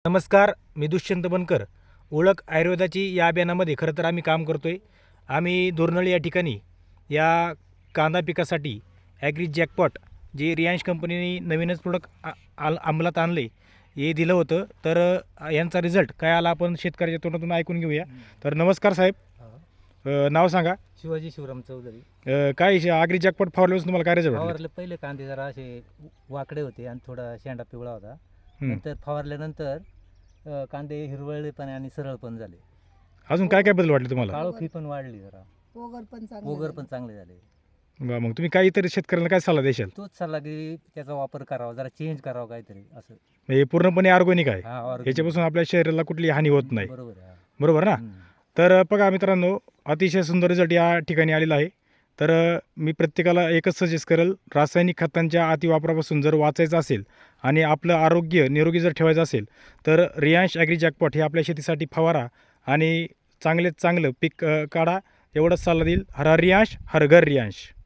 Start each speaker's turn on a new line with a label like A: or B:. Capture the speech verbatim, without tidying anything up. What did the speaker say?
A: नमस्कार, मी दुष्यंत बनकर. ओळख आयुर्वेदाची या अभियानामध्ये खरं तर आम्ही काम करतो आहे. आम्ही दोरनळी या ठिकाणी या कांदा पिकासाठी ॲग्री जॅकपॉट जे रियांश कंपनीने नवीनच प्रोडक्ट आ अंमलात आणले हे दिलं होतं. तर अ, यांचा रिझल्ट काय आला आपण शेतकऱ्याच्या तोंडातून ऐकून घेऊया. तर नमस्कार साहेब, अ, नाव सांगा.
B: शिवाजी शिवराम चौधरी.
A: अ, काय ॲग्री जॅकपॉट फवारल्यापासून तुम्हाला काय रिझल्ट वाटले?
B: फवारले पहिले कांदे जरा असे वाकडे होते आणि थोडा शेंडा पिवळा होता.
A: हं.
B: नंतर फवारल्यानंतर अ, कांदे हिरवळले पण आणि सरळ पण झाले.
A: अजून काय काय बदल वाटले तुम्हाला?
B: काळोखी पण वाढली जरा.
C: ओगर पण चांगलं
B: ओगर
C: झालं.
B: पण चांगले झाले.
A: बरं, मग तुम्ही काही इतर शेतकऱ्यांना काय सल्ला देशाल?
B: तोच सल्ला की त्याचा वापर करावा, जरा चेंज करावा काहीतरी असं.
A: हे पूर्णपणे ऑर्गॅनिक आहे.
B: हा, organic.
A: याच्यापासून आपल्या शरीराला कुठली हानी होत नाही.
B: बरोबर आहे. हा.
A: बरोबर ना?
B: हम्म.
A: तर बघा मित्रांनो, अतिशय सुंदर रिझल्ट या ठिकाणी आलेला आहे. तर मी प्रत्येकाला एकच सजेस्ट करेल, रासायनिक खतांच्या अतिवापरापासून जर वाचायचं असेल आणि आपलं आरोग्य निरोगी जर ठेवायचं असेल तर रियांश ॲग्री जॅकपॉट हे आपल्या शेतीसाठी फवारा आणि चांगलेत चांगलं पीक अ, काढा, एवढंच सल्ला देईल. हर हर रियांश, हर घर रियांश.